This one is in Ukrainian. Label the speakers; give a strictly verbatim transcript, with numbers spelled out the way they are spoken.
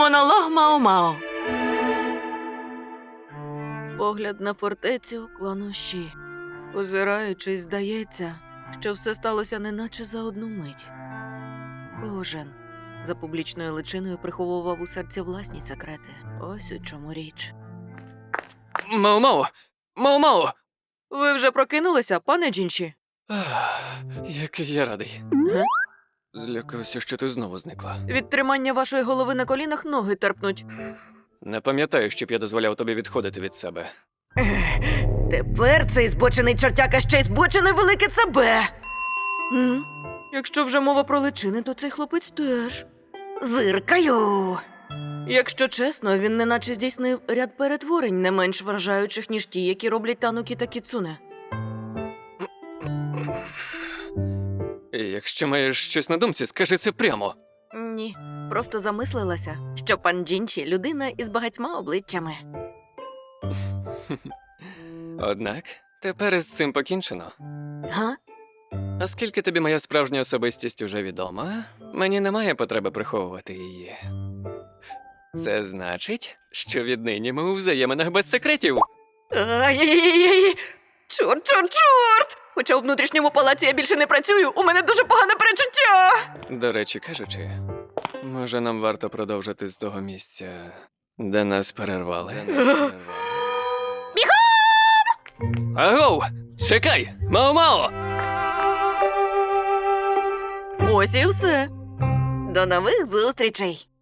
Speaker 1: Монолог Мао-Мао. Погляд на фортецю клану Ші. Озираючись, здається, що все сталося неначе за одну мить. Кожен за публічною личиною приховував у серці власні секрети. Ось у чому річ.
Speaker 2: Мао-Мао! Мао-Мао!
Speaker 1: Ви вже прокинулися, пане Джінші?
Speaker 2: Ах, який я радий.
Speaker 1: Га?
Speaker 2: Злякався, що ти знову зникла.
Speaker 1: Від тримання вашої голови на колінах ноги терпнуть.
Speaker 2: Не пам'ятаю, щоб я дозволяв тобі відходити від себе.
Speaker 1: Тепер цей збочений чортяка ще й збочене велике ЦБ. М? Якщо вже мова про личини, то цей хлопець теж. Зиркаю. Якщо чесно, він неначе здійснив ряд перетворень, не менш вражаючих, ніж ті, які роблять Танукі та Кіцуне.
Speaker 2: І якщо маєш щось на думці, скажи це прямо.
Speaker 1: Ні, просто замислилася, що пан Джінші – людина із багатьма обличчями.
Speaker 2: Однак, тепер із цим покінчено.
Speaker 1: Га?
Speaker 2: Оскільки тобі моя справжня особистість уже відома, мені немає потреби приховувати її. Це значить, що віднині ми у взаєминах без секретів.
Speaker 1: Ай-яй-яй-яй! Чорт, чорт, чорт! Хоча у внутрішньому палаці я більше не працюю, у мене дуже погане перечуття!
Speaker 2: До речі кажучи, може нам варто продовжити з того місця, де нас перервали. Бігом! Агоу! Чекай! Мао-Мао!
Speaker 1: Ось і все. До нових зустрічей!